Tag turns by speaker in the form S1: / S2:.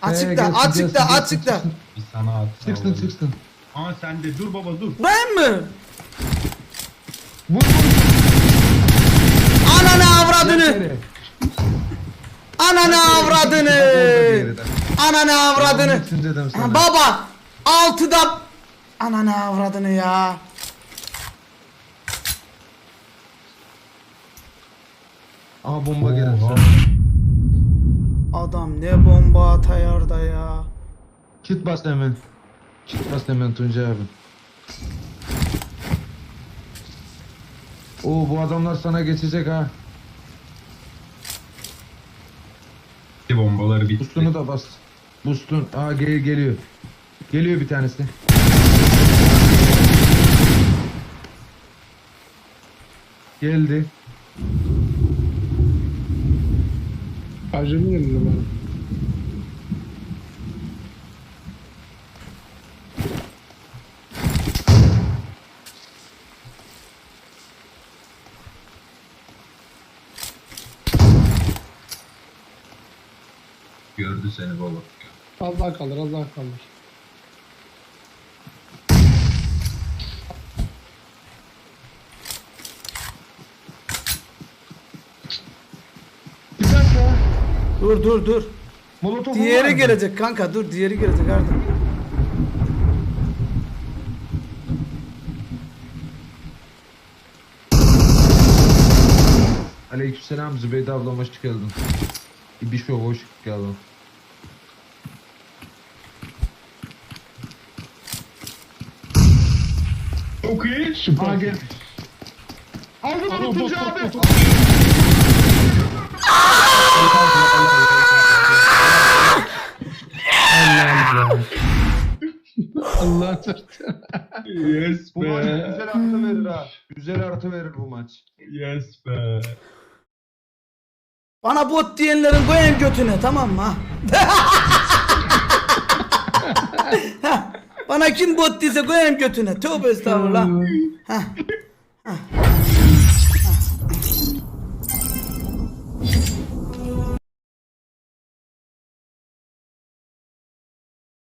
S1: Açıkta, açıkta, açıkta.
S2: Bir sana at.
S3: Çıksın.
S2: Aa sen de dur baba dur.
S1: Ben mi?
S3: Vur.
S1: Ananı avradını. Ananı avradını. Ananı avradını. Ha, baba. 6'da. Ananı avradını ya.
S3: Aha bomba gelir.
S2: Oha.
S1: Adam ne bomba atayar da ya.
S3: Kit bas hemen. Kit bas hemen Tuncay abi. Oo bu adamlar sana geçecek ha.
S2: Bombaları bitti.
S3: Boost'unu da bas. Boost'un. Aa geliyor. Geliyor bir tanesi. Geldi.
S4: Acemi geldi bana.
S2: Gördü seni baba.
S4: Az daha kalır, az daha kalır.
S3: Bir dakika.
S1: Dur.
S3: Molotov
S1: Diğeri gelecek kanka, dur, diğeri gelecek Arda.
S3: Aleykümselam Zübeyde ablam hoş geldin. Bir şey hoş geldin.
S2: Çok iyi.
S4: Süper.
S3: Gel. Aldım onu Tuncay abi.
S4: Allah çarptı.
S2: Yes
S3: Bu maç
S2: be.
S3: güzel artı verir ha. Güzel artı verir bu maç.
S2: Yes be.
S1: Bana bot diyenlerin koyayım götüne, tamam mı? Ha, bana kim bot diyse koyayım götüne. Tövbe estağfurullah. Heh.